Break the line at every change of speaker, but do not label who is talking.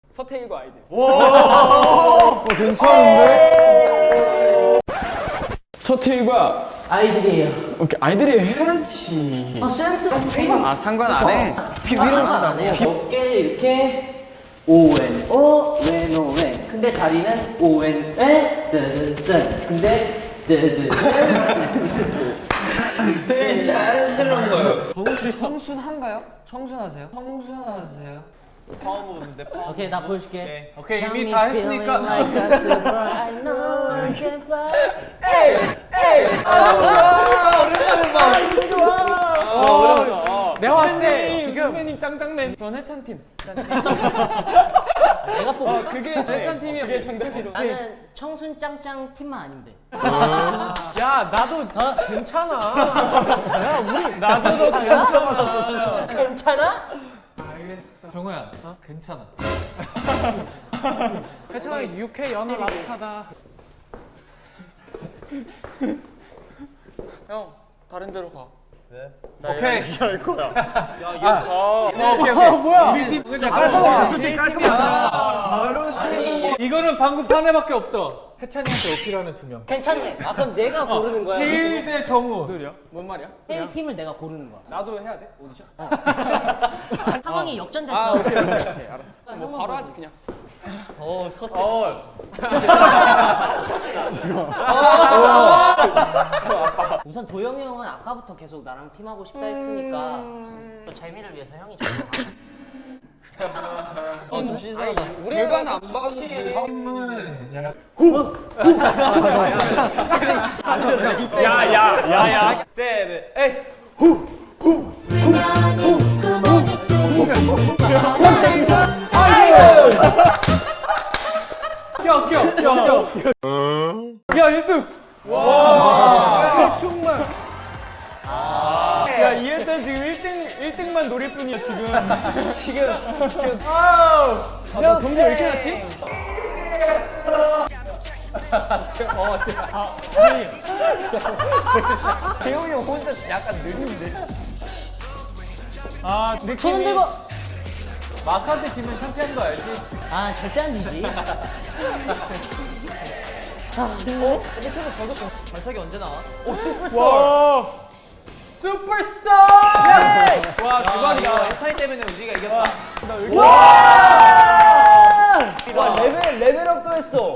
서태일과 아이들.
괜찮은데?
서태일과
아이들이에요.
오케이 아이들이 해야지.
센스.
아 상관 안 해.
상관 안 해요. 어깨를 이렇게 오웬 오웬 오웬. 근데 다리는 오웬 에 뜨뜨. 근데 뜨뜨.
되게 자연스러운 거예요.
혹시 청순한가요? 청순하세요? 청순하세요? 파워 부분인데 파워.
오케이 나 보여줄게.
오케이
Got
이미
me
다
feeling
했으니까.
like a super, I know I can fly.
내가 봤을 때 지금 선배님 짱짱맨. 전 해찬 팀.
내가 뽑을.
그게 해찬 팀이 그게 정답이로.
나는 청순 짱짱 팀만 아니면 돼.
야 나도 괜찮아. 야 우리
나도 너 괜찮아.
괜찮아?
알겠어.
정우야, 괜찮아.
해찬아 UK 연어 랍스타다. 형 다른 데로 가.
오케이. 얘기할 거야.
오케이. 뭐야?
우리 팀 깔끔하다. 솔직히 깔끔하다. 이거는 방금 판에밖에 없어. 해찬이한테 어필하는 두 명.
괜찮네. 아 그럼 내가 고르는 거야?
테일 대 정우.
소리야? 뭔 말이야?
1팀을 내가 고르는 거야.
나도 해야 돼? 오디션?
상황이 역전됐어.
아 오케이 알았어. 뭐 바로 하지 그냥.
우선 도영이 형은 아까부터 계속 나랑 팀하고 싶다 했으니까 또 재미를 위해서 형이 정해. 좀 신선하다.
결과는 안 봐도
야야야야. 셋, 에이. 껴. 야 1등. 와. 정말. 야 이해찬 지금 1등만 노릴 뿐이야 지금. 아우. 야 점수 왜 이렇게 낮지? 대용이 형 혼자 약간 느린데. 아 느낌이.
손 흔들고.
마크한테 지면 창피한 거 알지?
아 절대 안 지지.
발차기 언제 나와?
오 슈퍼스타.
슈퍼스타! 와 대박이다. 해찬이 때문에 우리가 이겼다.
와 레벨업도 했어.